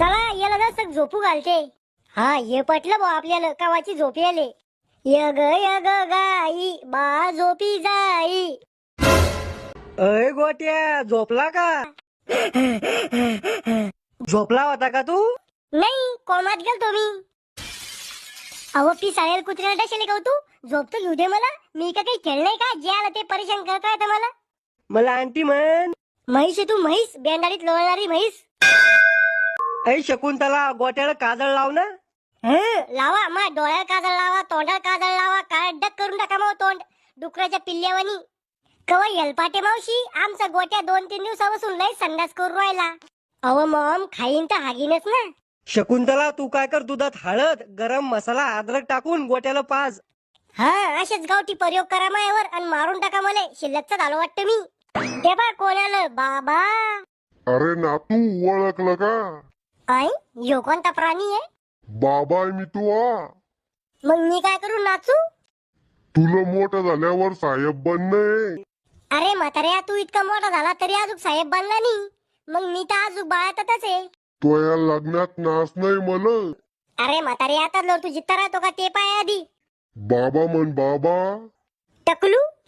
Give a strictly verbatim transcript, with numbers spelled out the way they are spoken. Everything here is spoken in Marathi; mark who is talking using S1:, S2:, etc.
S1: चला याला जसं झोपू घालते. हा ये पटलं बा आपल्याला कावाची झोप याले. यग यग गाई बा झोपी जाई.
S2: अय गोट्या झोपला का? झोपला होता का तू?
S1: नाही कोमात गेल तुम्ही. अहो पी साळेल कुत्र्याला डशेले का तू? झोप तर घेऊ दे मला. मी का काही खेळणे का जे आलं ते परेशान करता येतं मला.
S2: मला आंटी म्हण.
S1: म्हैस आहे तू म्हैस, बेंडाडीत लोळणारी म्हैस.
S2: ऐ शकुंतला गोट्याला काजळ लाव ना.
S1: हं, लावा मा डोळ्याला काजळ लावा, तोंडाला काजळ लावा, काळडक करून टाका मग तोंड डुकराच्या पिल्ल्यावानी. कवा येलपाटे मावशी आमचा गोट्या दोन तीन दिवसापासून लय संडास करून राहिला. अहो मॉम खाईन तर हागीनच ना.
S2: शकुंतला तू काय कर, दुधात हळद गरम मसाला अद्रक टाकून गोट्याला पाज.
S1: हा असेच गावठी प्रयोग करा मायावर आणि मारून टाका मला. शिल्लकच झालं वाटतं मी. ते बा कोण आलं बाबा.
S3: अरे नातू ओळखलं का?
S1: आई यो कोणता प्राणी आहे?
S3: बाबा आहे मी तू आ.
S1: मग मी काय करू नाचू?
S3: तुला मोठं झाल्यावर साहेब बनणे.
S1: अरे म्हाताऱ्या तू इतका मोठा झाला तरी अजून साहेब बनला नाही. मग मी तर अजून बाळातच आहे.
S3: तो या लग्नात नाच नाही मला.
S1: अरे म्हातारे आता लोर तू जित्ता राहतो का ते पाय आधी.
S3: बाबा म्हण बाबा.
S1: टकलू